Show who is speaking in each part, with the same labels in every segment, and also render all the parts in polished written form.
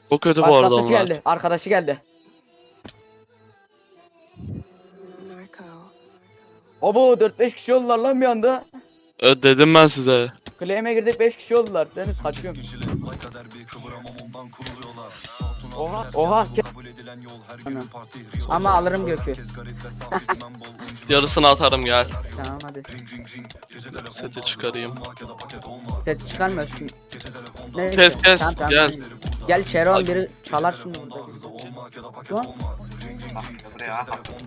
Speaker 1: Çok kötü bu arada
Speaker 2: Başkası
Speaker 1: onlar.
Speaker 2: geldi. Arkadaşı geldi. Abo 4-5 kişi oldular lan bir anda.
Speaker 1: Dedim ben size.
Speaker 2: Claim'e girdik 5 kişi oldular. Deniz kaçıyorum. Oha oha. Ama alırım Gökü.
Speaker 1: Yarısını atarım gel.
Speaker 2: Tamam hadi.
Speaker 1: Seti çıkarayım.
Speaker 2: Sesi çıkarmıyorsun. Neyse.
Speaker 1: Kes, gel.
Speaker 2: Gel Çeron biri çalar şimdi burada. Şu an
Speaker 3: Buraya.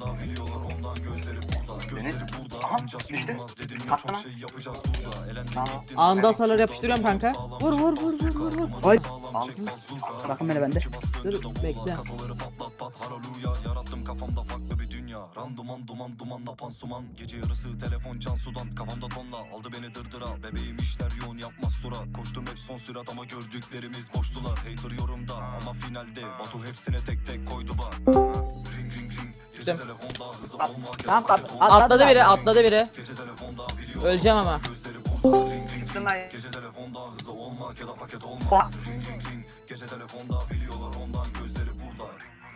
Speaker 3: Deniz. Aha düştü. Kaçtı lan. Tamam.
Speaker 4: Anında hasarlar yapıştırıyorum kanka. Vur vur vur vur vur vur.
Speaker 2: Ay.
Speaker 3: Aldım.
Speaker 2: Bakın beni bende.
Speaker 4: Dur bekle.
Speaker 5: Yarattım kafamda farklı bir dünya. Randuman duman dumanla pansuman. Gece yarısı telefon can sudan. Kafamda tonla aldı beni dırdıra. Bebeğim işler yoğun yapmaz sura. Koştum hep son sürat ama gördüklerimiz boştular. Hater yorumda ama finalde Batu hepsine tek tek koydu bak. Ring ring ring. Gece telefonda hızı olmak ya
Speaker 2: Tamam
Speaker 5: paket olmak.
Speaker 4: Atladı biri atladı biri.
Speaker 5: Gece telefonda biliyor.
Speaker 4: Öleceğim ama.
Speaker 5: Gözleri burada. Ring ring ring.
Speaker 3: Çıktım ben.
Speaker 5: Gece telefonda hızı olmak ya da paket olmak.
Speaker 3: Oha.
Speaker 5: Ring ring ring. Gece telefonda biliyorlar ondan gözleri burada.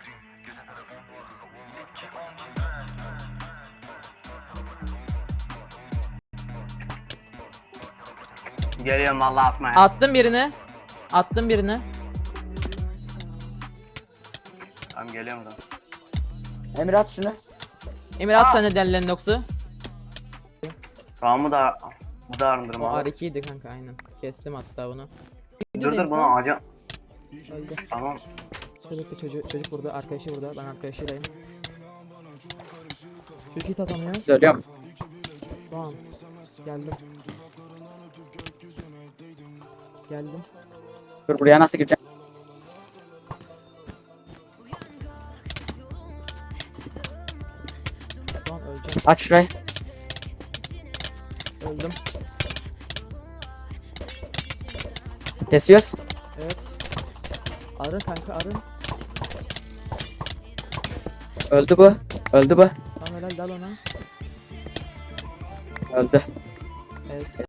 Speaker 3: Geliyorum vallahi atmaya.
Speaker 4: Attım birini. Attım birini.
Speaker 3: Tamam geliyorum buradan.
Speaker 2: Emir at şunu.
Speaker 4: Emir at sen de dellerin yoksa.
Speaker 3: Tamam bu da arındırım
Speaker 4: O
Speaker 3: abi.
Speaker 4: R2'ydi kanka aynen. Kestim hatta bunu.
Speaker 3: Dur bunu ağaca.
Speaker 4: Öldü.
Speaker 3: Tamam.
Speaker 4: Çocuk burada, arkadaşı burada. Ben arkadaşıylayım. Çocuk hit atamıyor.
Speaker 2: Söylüyorum.
Speaker 4: Tamam. Geldim. Geldim.
Speaker 2: Dur buraya nasıl gireceğim?
Speaker 4: Tamam öleceğim.
Speaker 2: Aç şurayı.
Speaker 4: Öldüm.
Speaker 2: Kesiyoruz.
Speaker 4: Evet. Arı kanka arı.
Speaker 2: Öldü bu. Öldü bu.
Speaker 4: Tamam helal dal ona.
Speaker 2: Öldü.
Speaker 4: Evet.